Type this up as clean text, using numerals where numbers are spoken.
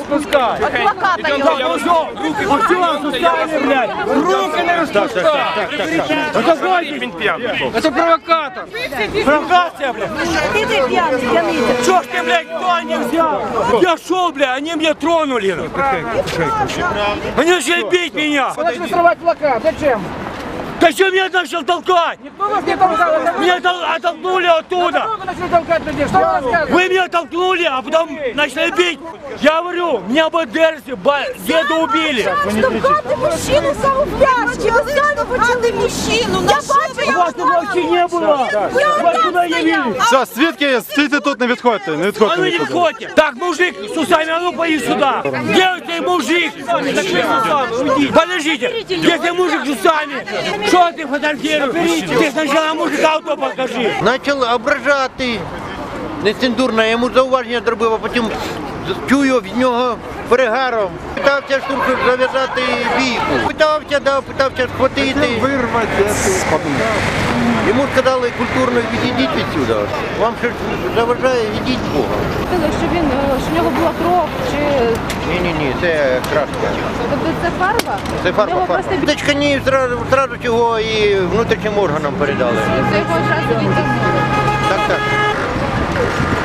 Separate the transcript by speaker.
Speaker 1: розпускай.
Speaker 2: Адвоката його.
Speaker 1: Руки розпускай, блядь. Руки не розпускай. Это провокатор. Провокация, блядь.
Speaker 2: Ты пьяный, пьяный.
Speaker 1: Чё ж ты, блядь, кто не взял? Я шел, блядь, они меня тронули. Они начали бить меня.
Speaker 3: Вы начали срывать плакат. Зачем?
Speaker 1: Зачем меня начал толкать?
Speaker 3: Кто вас не толкал?
Speaker 1: Меня оттолкнули оттуда.
Speaker 3: Вы начали толкать людей. Что вы рассказываете?
Speaker 1: Вы меня толкнули, а потом начали бить. Я говорю, меня бы Дерси, деда убили.
Speaker 2: Штовхати мужчину саме в пляшки. Ви самі почали мужчину. Я бачу, я
Speaker 1: Вас тут вообще не было. Вас куда явились?
Speaker 4: Все, свідки, стійте тут, не відходьте, не
Speaker 1: А
Speaker 4: відходьте
Speaker 1: ну не
Speaker 4: нікуди.
Speaker 1: выходите. Так, мужик с усами, а ну поди сюда. Где у тебя мужик? Подождите, где ты мужик с усами? Что ты фотографируешь? Ты сначала мужика авто покажи.
Speaker 5: Почали ображати. Нецензурно, я йому зауваження зробив, а потім чую від нього перегаром. Питався штурку зав'язати бійку. Питався схватити. Йому сказали культурно відійдіть відсюди. Вам щось заважає, відійдіть Бога.
Speaker 6: Що в нього була кров, чи
Speaker 5: Ні, це краска.
Speaker 6: тобто це фарба?
Speaker 5: Це
Speaker 6: Його
Speaker 5: фарба.
Speaker 6: просто
Speaker 5: Дочка ні, зразу цього і внутрішнім органам передали.
Speaker 6: до якогось часу він там.
Speaker 5: Так.